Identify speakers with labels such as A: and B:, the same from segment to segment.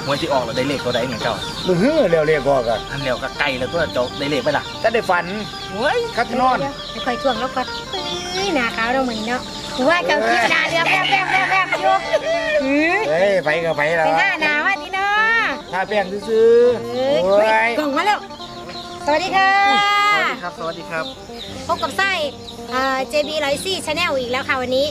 A: มวยที่ออกแล้วได้เลขตัวใดเนี่ยเจ้า
B: มือฮื้อเร็วๆก็กัน
A: อันเดียวก็ไกลแล้วตัวเจ้าได้เลขไปล่ะ
B: ถ้าได้ฝัน
A: เฮ้ย
B: คัดนอน
C: ไม่ค่อยช่วงแล้วก็หน้าขาวเราเหมือนเนาะว่าเจ้าคิดหน้าเรือแป๊บอยู่
B: เฮ้ยไปก็ไปแล้ว
C: เป็นหน้าหนาว่าที่เนาะ
B: ทาแป้งซื้อโอ้ย
C: กล่องมาแล้วสวัสดีค่ะ
A: สวัสดีครับสวัสดีครับ
C: พบกับไส้JB 104 Channel อีกแล้วค่ะวันนี้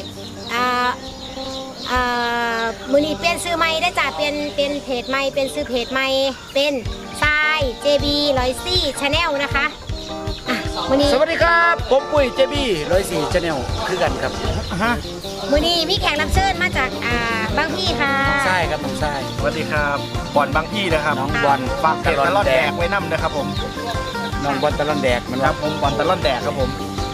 C: มือนี้เปลี่ยนซื้อใหม่ได้จ้ะเป็นเพจใหม่เป็นซื้อเพจใหม่เป็นทราย JB 104 Channel นะคะมือนี้
B: สวัสดีครับผมปุ้ยเจบี้104 Channel คือกันครับฮะ
C: มือนี้มีแขกรับเชิญมาจากบางพี่ค่ะ
B: ใช่ครับน้องใช่
A: สวัสดีครับบอลบางพี่นะครับ
B: น้องบอล
A: ฝากเพจตลอดแดกไว้นำนะครับผม
B: น้องบอลตะลอนแดกมัน
A: ครั
B: ว่า
A: บผมบอลตลอดแดกครับผม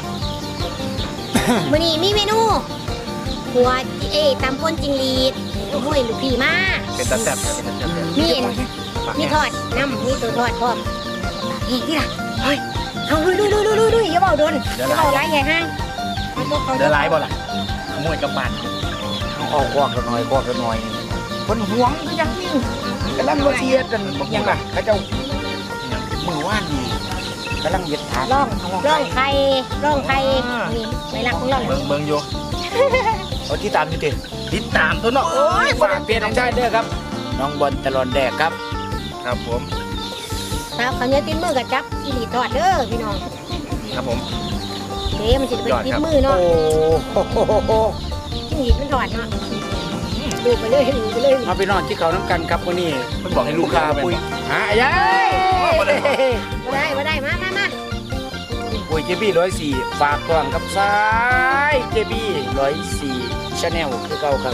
C: มือนี้มีเมนูหัวตำป่นจิงหรีดห้วยลูกพี่มา
A: เป็นตาแซ่บเป็นตาแซ่บ
C: มีทอดน้ำมีตัวทอดพร้อมนี่ล่ะเฮ้ยเอาลุยอย่าเบาโดนอย่าเบาไรใหญ่ห้าง
A: เดือดร้ายบ่ล่ะขโมยกระบาด
B: ออกควักกันหน่อยคนหวงก็ยังนิ่งกำลังมาเชียร์กันยังไงเขาเจ้ามือว่านนี่กำลังเย็ดทาน
C: ร่องไข่นี่ไม่รักของเรา
A: เบิ่งอยู่
B: เอาที่ตามอยู่ดิ
A: ติดตามตัวเนาะโอ้ย
B: ฝากเปลี่ยนน้องชายเด้อครับ น้องบอลตะลอนแดกครับ
A: ครับผม
C: ครับเขาเนี่ยติ้นมือกับจับจิงหรีดทอดเด้อพี่น้อง
A: ครับผม
C: เดี๋ยวมันจะเป็นติ้นมือ
B: โอ้
C: เนาะ
B: โห
C: จิงหรีดมันทอดเนาะดูไปเลย
B: มาไปนอนที่เขาน้ำกันครับวันนี้
A: เพิ่นบอกให้ลู
B: ลู
A: ก
B: ก
A: ค้า
B: ค้า
A: ไป
B: ปุ้ยหายัย
C: มาได้มา
B: ปุ้ยเจบี้104ฝากกล่องกับซ้ายเจบี้104 Channel คือเก่าครับ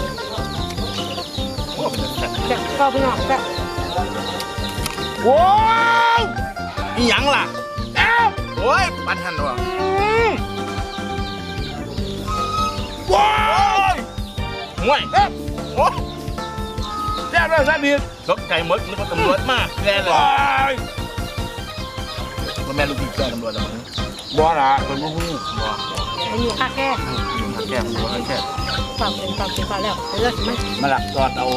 C: จะก็พี่น้องจะ
B: ว้าว
A: อีหยังล่ะเอ้าโอ้ยปันหันว่ะ
B: ว้าว
A: ห่วยโอ้แซ่บแล้วแซ่บอีกตกใจหมดนึกว่าตำรวจมาแน่เลย
B: ว้าว
A: มันแม่ลูกพี่แกตำรวจแล้วมั้ง
B: บ่ล่ะเป็นบ่ฮู้
A: บ่
C: อยู่ค่าแค่
A: แก้มบ่ให้แค่
C: ฝากเป็นแล้วเลิศมั้ย
B: มาหลักตอดเอา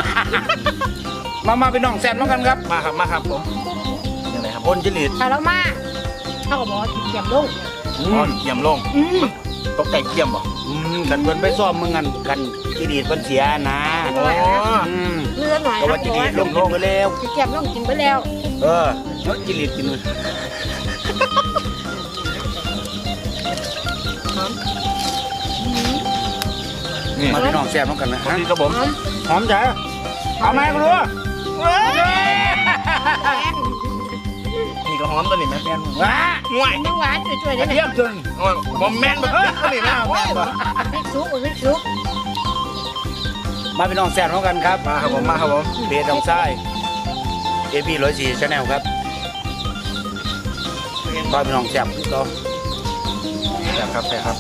B: มาไปน้องแซมน้องกันครับ
A: มาครับผมยังไงครับ
B: คนจิริต
C: ถ้าเรามาเขาก็บอกเก็บลง
A: อ๋อเกี่ยมลงตกใจเกี่ยมบ่
B: กันเพิ่นไปซ่อมมึงกันจิริตเพิ่นเสียนะ
A: อ๋อ
C: เลือหน่อย
B: ก็ว่าจิริตลงไปแล้ว
C: เก็บลงกินไปแล้ว
B: เออแล้วจิริตกินเลยมาพี่น้องแซ่บน้องกันนะ
A: สวัสดีครับผม
B: หอมจ้ะเอาไหมกูรู้
A: นี่ก็หอมตัวนี้แม่แม่น
B: ว้า
A: ห่วย
C: น้ำหวานช่วยๆ
B: ก
C: ได้
B: ระ
C: ไหม
B: เทียมจน
A: บ่แม่นบ่ตัวนี้นะแม่นบ่
C: พริกซุป
B: มาพี่น้องแซ่บน้องกันครับ
A: มาครับผม
B: เพจน้องทราย104 Channel ครับมาพี่น้องแซ่บต่อ
A: แซ่บครับ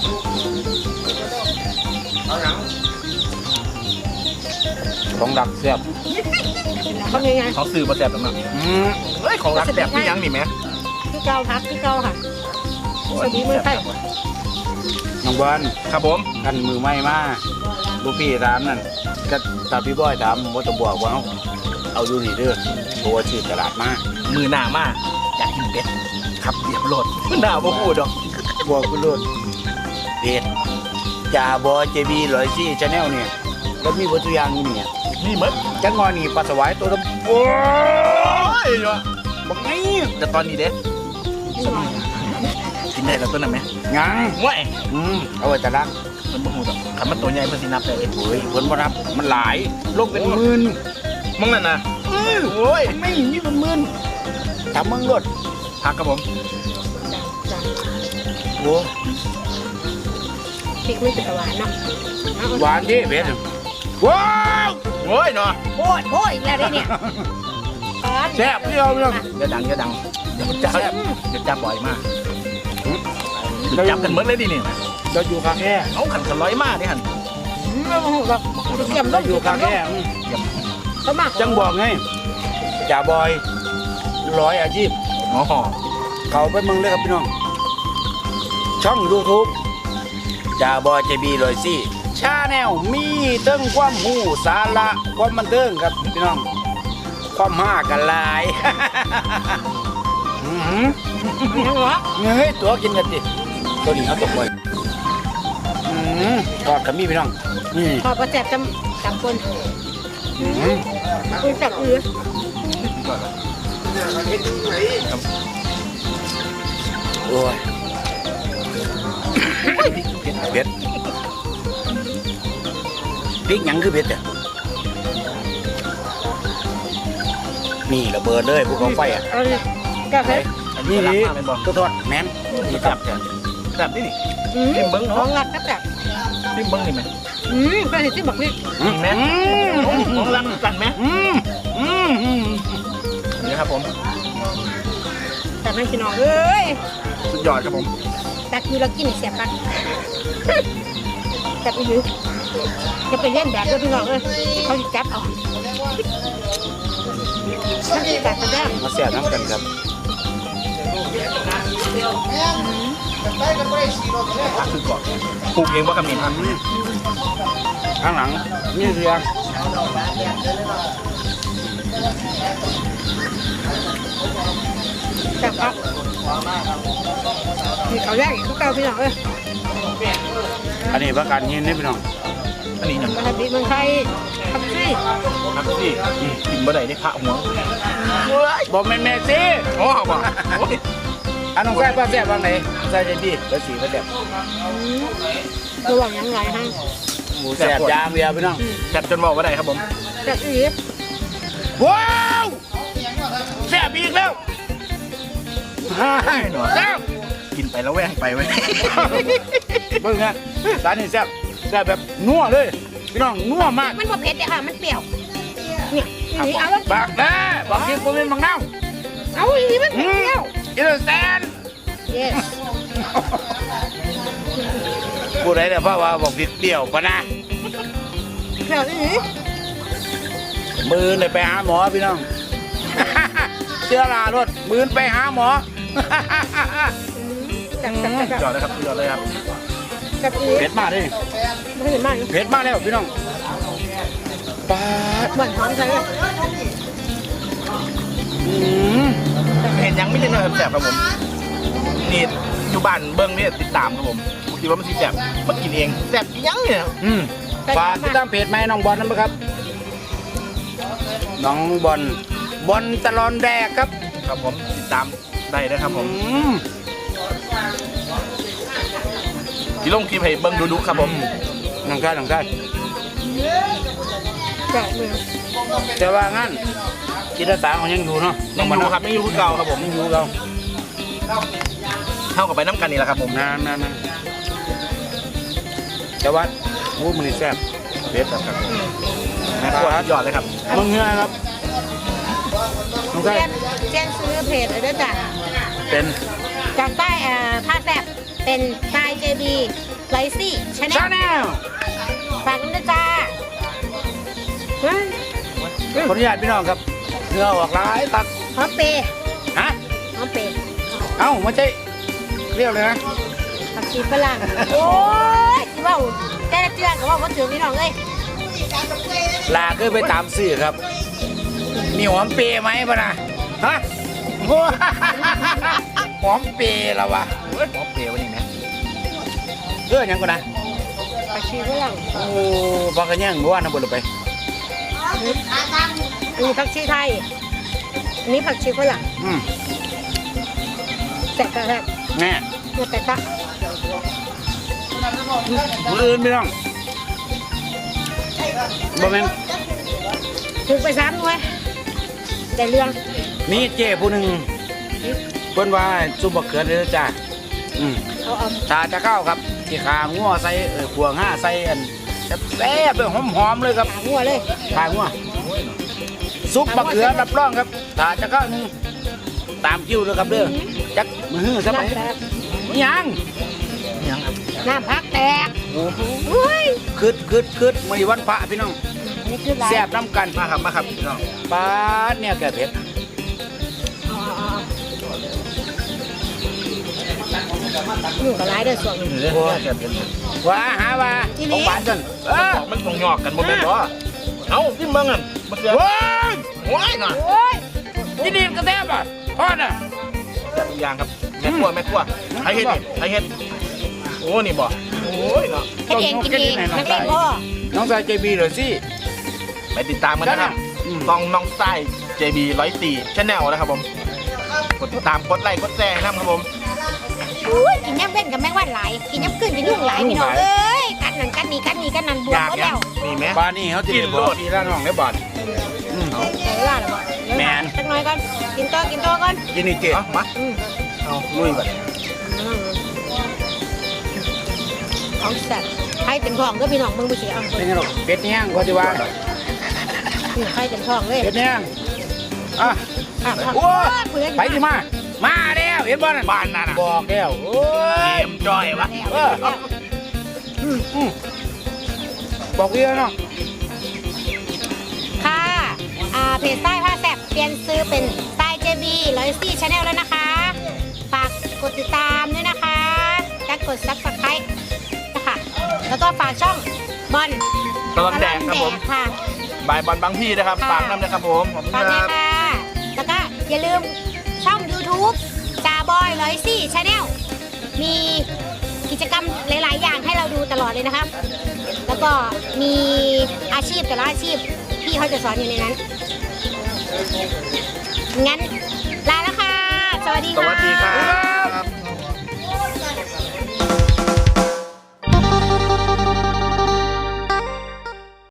B: ของดักแซ่บ
C: เขาไง
A: เขาซื้อมาแซ่บแล้วเนาะเฮ้ยของรักแซ่บพี่ยังนี่แม่
C: พี่เกาค่ะสวัสดีมือไทย
B: น้องบอล
A: ครับผม
B: กันมือไม่มาลูกพี่ถามนั่นก็ตาพี่บอยถามว่าจะบอกว่าเอาอยู่นี่เด้อตัวชื่อตลาดมา
A: มือหน้ามากอยากกินเป็ดขับเรียบรถหน้าบ่พูดดอก
B: บอกกูเลยเพจจ่าบอเจบี104 Channel เนี่ยแล้วมีวัตถุกอย่างอยู่เนี่ย
A: นี่เหมือน
B: จังงอนี่ปลาสวายตัวดำโอ้ย
A: เนาะ
B: บักไง
A: แต่ตอนนี้เด้กินได้แล้วตัวนั้นไหม
B: ยัง
A: ห่วย
B: เอาไว้แต่ละ
A: มันบ่ฮู้ดอกคันมันตัวใหญ่เพิ่นสินับได้
B: โอ้ยผลบ่นับมันหลายลงเป็นหมื่น
A: มึงนั่นน่ะโอ้ย
B: ไม่มีเป็นหมื่นถามมึงรถ
A: พักครับผม
B: โอ้
C: พริกไม่ติดหวานเนาะ
B: หวานดิเพจว้าว
A: โอ้ยเนาะ
C: โอ้ยอีกแล้วได้เนี่ย
B: แซ่บเดียวเนาะ
A: อย่าดังเดี๋ยวจับบ่อยมากจับกันเหมือนเลยดิเนี่ย
B: เราอยู่ข้างแค่
A: เอาขันกันร้อยมากนี่หัน
C: เก็บล
B: เรา
C: ง
B: อยู่ข้างแค่
C: เขามา
B: จังบอกไงจ่าบอย100 อาชีพ
A: อ๋อ
B: เขาไปมึงเลยครับพี่น้อง ช่อง YouTube จ่าบอยเจบี104 Channel มีเติ้งความหูสาระความบันเทิงครับพี่น้องความห้ากันลาย
C: มีทั้งหรอ
B: เฮ้ยตัวกินกันดิตัวนี้เอาตกไปทอดกับมีพี่น้องนี่
C: พอประแจบจำคนคุณจับอือ
B: โอ้ยเผ็ดพริกหยังคือเผ็ดอ่ะนี่ระเบิดเลยภูเขาไฟอ่ะ
C: เอาเลยแก้วเพชร
B: นี่ตัวทอดแมนนี่ครับ
A: แบบนี้นี่
C: จิ้มเบิ้งของรักก็แบบ
A: จิ้มเบิ้งนี่ไหม
C: ก็เห็นที่บอกนี่
A: แม่ของรักกันไหมนี่ครับผม
C: แต่ไม่กินน้องเอ้ย
A: สุดยอดครับผม
C: แต่คือเรากินเสียบปักจับอีหรือจะไปเล่นแบบด้วยพี่น้องเอ้ยเขาจะจับเอาถ้าจะจับก็ได้
B: มาแซ่บน้ำกันครับ
A: คือก่อนปลูกเองว่าคำนี้ครับ
B: ข้างหลังนี่เรือ
C: จับครับนี่เขาแรกเขาเก่าพี่น้องเอ้ย
B: อันนี้ประกันยินนี่พี่น้อง
A: อันนี้นะ
C: มาทำดีเมืองไทยทำสิ
A: ครับพี่กินบ่ได้ได้พระหัว
B: บอกแม่แม่สิ
A: โอ้บ่
B: อันน้องใส่ปลาแซ่บวางไหนใส่ใจดีแล้วสีปลาแซ่บ
C: ระหว่างยังไงฮะ
B: หมูแซ่บยางเดียวพี่น้อง
A: แซ่บจนบอกว่าได้ครับผม
C: จับอีก
B: ว้าวแซ่บอีกแล้วแซ่บ
A: กินไปแล้วแว่งไปไว้
B: เบิ่งนะร้านนี้แซ่บแซ่บแบบนัวเลยพี่น้องนัวมาก
C: มันบ่เผ็ดเลยค่ะมันเปรี้ยวเนี่ยนี่เอาแล้ว
B: บากนะบอกกินกูเป็นบางน้ำ
C: เอาอีนี่มันเปรี้ยว
B: อินแซน
C: yes
B: กูได้แต่เพราะว่าบอกผิดเปรี้ยวปะนะ
C: เปรี้ยวอีนี่
B: มือเลยไปหาหมอพี่น้อง เสื้อลารถมือไปหาหมอ
C: จับ
A: ยอดเลยครับยอดเลยครับ
C: จับอี
B: เผ็ดมากเลย
C: ไม่เห็นมาก
B: เผ็ดมากแล้วพี่น้องปาด
C: เหมือนหอมใช่ไหม
A: เห็นยังไม่ได้เลยแซ่บครับผมนี่อยู่บ้านเบิ้งเนี่ยติดตามครับผมคิดว่ามันสิแซ่บมากินเองแซ่บยังเนี่ย
B: ฝากติดตามเพจไหมน้องบอลนะครับน้องบอลบอลตลอนแดกครับ
A: ครับผมติดตามได้นะครับผมที่ลงคลิปให้เบิ้งดูครับผม
B: น้องชายน้องชาย
C: จับมือ
B: แต่ว่างั้นจิตอาสาของยังอยู่เนาะ
A: ยังอยู่ครับยังอยู่คือเก่าครับผม
B: ยังอยู่เรา
A: เท่ากับไปน้ำกันนี่แหละครับผม
B: นานแต่ว่าวูมันนี่แซ่บ
A: เด็ดครับแม่ครัวยอดเลยครับ
B: มึงเงี้ยครับน้องชาย
C: เจนซื้อเพจเลยด้วยจ้ะ
B: เป็น
C: จากใต้ผ้าแซบเป็นทราย JB ไลซี่ชาแน
B: ชา
C: ล
B: แนล
C: ฝากด้วยจ้าเฮ้ย
B: ขออนุญาตพี่น้องครับเนื้อออกหลายตัก
C: หอมเปย์
B: ฮะ
C: หอมเปย์
B: เอ้าไม่ใช่เรียกเลยนะ
C: ผักชีฝรั่งโอ้ยที่ว่าแต่ละเจือนก็ว่าถึงพี่น้องเลย
B: ลาคือไปตามซื้อครับมีหอมเปรย์ไหมปะนะฮะโอ้หอมเปรย์แล้ววะ
A: หอมเปรี้ยวนี่นะ
B: เรื่องยังก่อนนะ
C: ผักชีฝรั่ง
B: โอ้บักกันยังว่าน้ำบนลงไป
C: อันนี้ผักชีไทยอันนี้ผักชีฝรั่ง แตกต่างกัน
B: แน่
C: เนี่ยแตกต่าง
B: มืออื่นพี่น้องบ่แม่น
C: ถูกไปซ้ำด้วยแต่เรื่อง
B: มีเจ้ผู้หนึ่งเพิ่นว่าซุปบักเขือเด้อจ้า
C: เอา
B: ถ้าจะเข้าครับที่ขางัวใส่พวงห้าใส่อันแซ่บๆเลยหอมๆเลยครับ
C: หาหัวเลย
B: ขางัวซุปบักเขือรับรองครับถ้าจะเข้าหนึงตามคิวเลยครับเด้อจักมือซะไป
C: น้ำแตก
B: ยัง
A: ยังครับ
C: น้ำพักแตก
B: โอ้โห
C: อุ้ย
B: คืดมื้อนี้วันพระพี่น้อง
C: นี่คืออะไร
B: แซ่บน้ำกัน
A: มาครับพี่น้อง
B: ปาดเนี่ยแก่เผ็ด
C: อยู่กับร้ายเด้อส่วนนึง
A: นี่เลยแซ่บเป็น
B: ว่าหาว่าของหวานกัน
A: มันตรงหยอกกันหมดเลยเหรอเอ้าที่เมืองอ่ะมาเสือ
B: ว้าย
A: โอ้ยหน่อย
B: โอ้ยยินดีกระแทบอ่ะทอดอ่ะ
A: แซ่บทุกอย่างครับแม่ครัวใครเฮ็ดนี่ใครเฮ็ดโอ้นี่บ่โอ้ยเนาะ
C: ให้เองกินเองนักเลงพ่อ
B: น้องชายเจบีเลยสิ
A: ไปติดตามกันนะครับน้องไส้ JB 104 Channel นะครับผมกดติดตามกดไลค์กดแชร์นะครับผม
C: อุ้ยกินย่ำเว้นกับแมงวันหลายกินย่ำกึ่นกับยุ่งหลายพี่น้องเอ้ยกัดนั่นกัดนี่กัดนี่กัดนั่นบว
A: อ
C: ม
A: ยาก
C: หมด
A: ยั
C: แล้
A: ง
C: ว
A: มีไหม
B: บ้านนี้เขาจะบอกพี่ร้านน้องได้บ้าน
C: ใส่เวลาหรอบ่
B: แม่น
C: สักหน่อยก่อนกินตัวก่อน
B: ยินดีเจ๊
A: เอามาเอาลุยก่อน
C: เอาแซ่บไข่เต็มท้องก็พี่น้องมึงไปสิเอา
B: เป็นยังไงเป็ดแห้งเขาจะว่า
C: นี่ไข่เต็มท้องเลย
B: เป็ดแห้งอ่ะ
C: อ่ะ
B: โอ้ย
C: เพื่อน
B: ไปดิมาแล้วเห็นบ้าน
A: บ้านนั่นน่ะ
B: บอกแล้วโอ้
A: เก
B: ย
A: มจอยวะ
B: บอกพี่แล้วเนาะ
C: ค่ะเพจใต้ผ้าแซ่บเปลี่ยนซื้อเป็นใต้ JB 104 Channel แล้วนะคะ ฝากกดติดตามด้วยนะคะและกด Subscribe นะคะแล้วก็ฝากช่องบอล
A: ตลอดแดงครับผม
C: ค่ะ
A: บายบอลบางพี่นะครับ
C: ค่ะ
A: ฝากน้ำนะครับผมขอบคุณ
C: ฝาก
A: ค
C: ด้ว
A: รั
C: ย
A: บ
C: ค่ะ แล้วก็อย่าลืมช่อง YouTube จ่าบอย104 Channel มีกิจกรรมหลาย ๆ อย่างให้เราดูตลอดเลยนะครับ แล้วก็มีอาชีพแต่ละอาชีพพี่เขาจะสอนอยู่ในนั้น งั้นลาแล้วค่ะ สวัสดี
A: ส
C: ค่ะ
A: วัสดีครับ